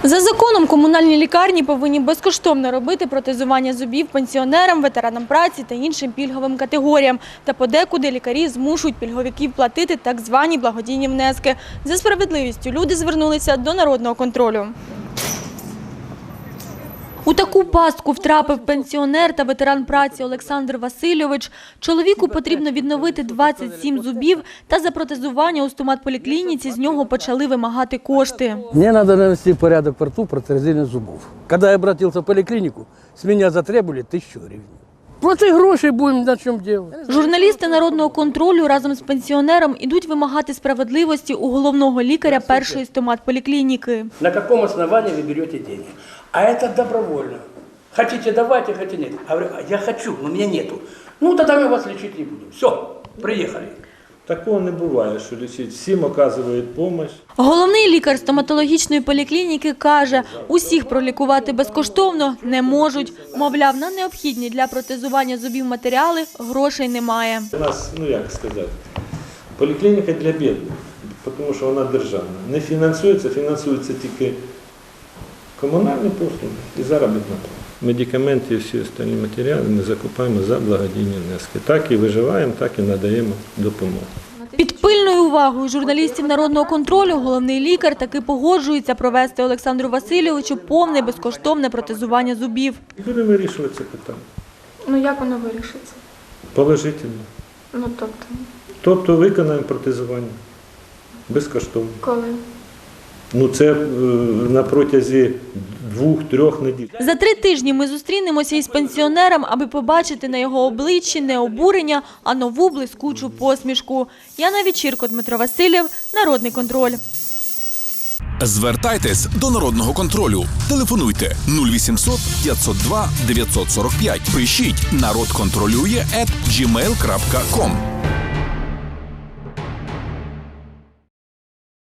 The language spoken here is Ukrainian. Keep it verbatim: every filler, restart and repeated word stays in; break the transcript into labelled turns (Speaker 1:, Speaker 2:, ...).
Speaker 1: За законом комунальні лікарні повинні безкоштовно робити протезування зубів пенсіонерам, ветеранам праці та іншим пільговим категоріям. Та подекуди лікарі змушують пільговиків платити так звані благодійні внески. За справедливістю люди звернулися до народного контролю. У таку пастку втрапив пенсіонер та ветеран праці Олександр Васильович. Чоловіку потрібно відновити двадцять сім зубів, та за протезування у стоматполіклініці з нього почали вимагати кошти.
Speaker 2: Мне надо навести порядок во рту, протезирование зубов. Когда я обратился в поликлинику, с меня затребовали тысячу гривен. Плати гроші, будемо на чому делать.
Speaker 1: Журналісти народного контролю разом з пенсіонером ідуть вимагати справедливості у головного лікаря першої стоматполіклініки.
Speaker 2: На каком основании вы берете деньги? А это добровольно. Хотите давайте, хотите нет. Я говорю, я хочу, но у меня нету. Ну тогда мы вас лечить не будем. Все, приехали.
Speaker 3: Такого не буває, що лічить. Всім оказують допомогу.
Speaker 1: Головний лікар стоматологічної поліклініки каже, усіх пролікувати безкоштовно не можуть. Мовляв, на необхідні для протезування зубів матеріали грошей немає.
Speaker 3: У нас, ну як сказати, поліклініка для бідних, тому що вона державна. Не фінансується, фінансується тільки комунальні послуги і заробітна плата. Медикаменти і всі остальні матеріали ми закупаємо за благодійні внески. Так і виживаємо, так і надаємо допомогу.
Speaker 1: Під пильною увагою журналістів народного контролю головний лікар таки погоджується провести Олександру Васильовичу повне безкоштовне протезування зубів.
Speaker 3: І будемо вирішувати це питання.
Speaker 4: Ну як воно вирішиться?
Speaker 3: Положительно.
Speaker 4: Ну тобто,
Speaker 3: Тобто виконаємо протезування безкоштовно.
Speaker 4: коли?
Speaker 3: Ну це е, на протязі двох-трьох неділь.
Speaker 1: За три тижні ми зустрінемося із пенсіонером, аби побачити на його обличчі не обурення, а нову блискучу посмішку. Яна Вечірко, Дмитро Васильєв, Народний контроль.
Speaker 5: Звертайтесь до Народного контролю. Телефонуйте нуль вісімсот п'ятсот два дев'ятсот сорок п'ять. Пишіть народ контролює ет джі мейл крапка ком.